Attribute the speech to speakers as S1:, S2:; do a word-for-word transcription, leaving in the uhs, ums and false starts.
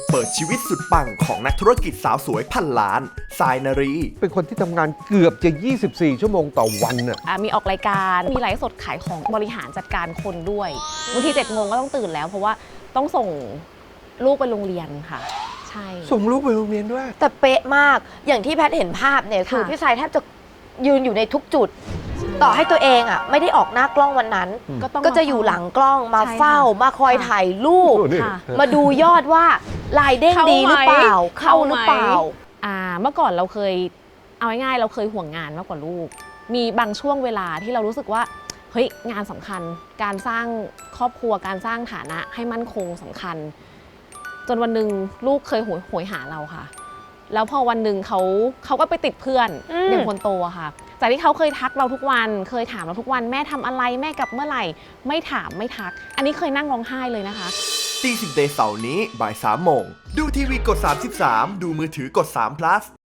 S1: เปิดชีวิตสุดปังของนักธุรกิจสาวสวยพันล้านทรายนารี
S2: เป็นคนที่ทำงานเกือบจะ ยี่สิบสี่ ชั่วโมงต่อวันน่ะ
S3: อ่ะมีออกรายการมีไลฟ์สดขายของบริหารจัดการคนด้วยบางทีเจ็ดโมงก็ต้องตื่นแล้ว เพราะว่าต้องส่งลูกไปโรงเรียนค่ะใช่
S2: ส่งลูกไปโรงเรียนด้วย
S4: แต่เป๊ะมากอย่างที่แพทย์เห็นภาพเนี่ยคือ
S3: ค่ะ
S4: พี่สายแทบจะยืนอยู่ในทุกจุด ต่อให้ตัวเองอ่ะไม่ได้ออกหน้ากล้องวันนั้น
S3: ก็ต้อง
S4: ก็จะอยู่หลังกล้องมา
S3: ใช่ค่ะ
S4: เฝ้ามาคอย
S3: ค่ะ
S4: ถ่ายรูป
S2: โอ้นี่
S3: ค่ะ
S4: มาดูยอดว่าลายเด้ง
S3: เข้า
S4: ดีหรือเปล่า
S3: ไหม
S4: เข้าหรือเปล่า
S3: อ่าเมื่อก่อนเราเคยเอาง่ายๆเราเคยห่วงงานมากกว่าลูก มีบางช่วงเวลาที่เรารู้สึกว่าเฮ้ยงานสำคัญ การสร้างครอบครัวการสร้างฐานะให้มั่นคงสำคัญ จนวันหนึ่งลูกเคยโหยโหยหาเราค่ะ แล้วพอวันหนึ่งเขาเขาก็ไปติดเพื่อน
S4: อืม
S3: อย่างคนโตอะค่ะจากที่เขาเคยทักเราทุกวัน เคยถามเราทุกวันแม่ทำอะไรแม่กลับเมื่อไหร่ ไม่ถามไม่ทัก อันนี้เคยนั่งร้องไห้เลยนะคะ
S1: ตีสิบเดย์เสาร์นี้บ่ายสามโมง ดูทีวีกดสามสิบสามดูมือถือกดสาม plus